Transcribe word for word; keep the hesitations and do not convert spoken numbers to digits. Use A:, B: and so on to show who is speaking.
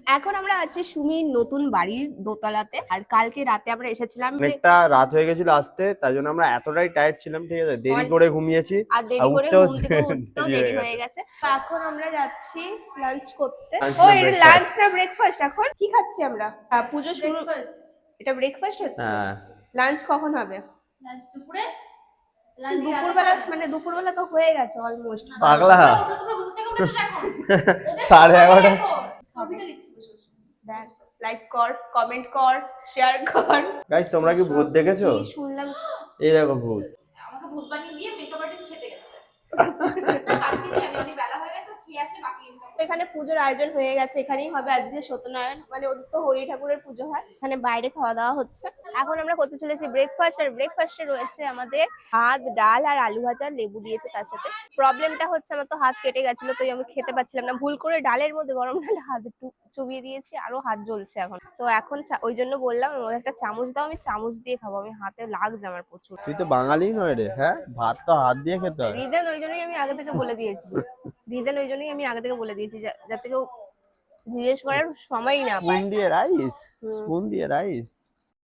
A: এখন আমরা আছি সুমির নতুন বাড়ির দোতলাতে। আর কালকে রাতে আমরা এসেছিলাম,
B: অনেকটা রাত হয়ে গেছিল আসতে, তাই জন্য আমরা এতটাই টায়ার্ড ছিলাম, ঠিক আছে, দেরি করে ঘুমিয়েছি
A: আর দেরি করে
B: উঠতেও
A: ঘুম থেকে উঠতেও দেরি হয়ে গেছে। তো এখন আমরা যাচ্ছি লাঞ্চ করতে। ও
B: না
A: এটা
B: breakfast।
A: লাঞ্চ না ব্রেকফাস্ট? এখন কি খাচ্ছি আমরা? আহ, পুজো শুরু। এটা ব্রেকফাস্ট হচ্ছে।
B: হ্যাঁ,
A: লাঞ্চ কখন হবে?
C: লাঞ্চ দুপুরে।
A: দুপুরবেলা মানে দুপুরবেলা তো হয়ে গেছে অলমোস্ট।
B: পাগলা
C: তোমরা ঘুম থেকে উঠেছো এখন?
B: সাড়ে এগারোটা।
C: ভিডিও দেখছি বসে বসে।
A: দেখ, লাইক কর, কমেন্ট কর, শেয়ার কর।
B: গাইস তোমরা কি ভূত দেখেছো?
A: কি শুনলাম?
B: এই দেখো ভূত।
C: আমাকে ভূত বানিয়ে দিয়ে মেকআপ আর্টিস্ট খেতে গেছে। না পাঠিয়েছি আমি, অনেক বেলা হয়ে গেছে, খেয়ে আসি বাকি ইনকাম।
A: এখানে পুজোর আয়োজন হয়ে গেছে, এখানেই হবে আজকে সত্যনারায়ণ, মানে ওদের তো হরি ঠাকুরের পুজো হয়। এখানে বাইরে খাওয়া দাওয়া হচ্ছে। এখন আমরা করতে চলেছি ব্রেকফাস্ট। আর ব্রেকফাস্টে রয়েছে আমাদের ভাত, ডাল আর আলু ভাজা, লেবু দিয়েছে তার সাথে। প্রবলেমটা হচ্ছে আমার তো হাত কেটে গেছিল, তো আমি খেতে পাচ্ছিলাম না। ভুল করে ডালের মধ্যে, গরম ডালে হাত একটু চুবিয়ে দিয়েছি, আরো হাত জ্বলছে এখন। তো এখন ওই জন্য বললাম ওর একটা চামচ দাও, আমি চামচ দিয়ে খাবো, আমি হাতে লাগছে আমার প্রচুর।
B: তুই তো বাঙালি নয় রে, হ্যাঁ, ভাত তো হাত দিয়ে খেতে হয়।
A: রিজন ওই জন্যই আমি আগে থেকে বলে দিয়েছি রিজন ওই জন্যই আমি আগে থেকে বলে দিয়েছি যাতে কেউ জিজ্ঞেস করার সময়ই না পায়।
B: স্পুন দিয়ে রাইস, স্পুন দিয়ে রাইস।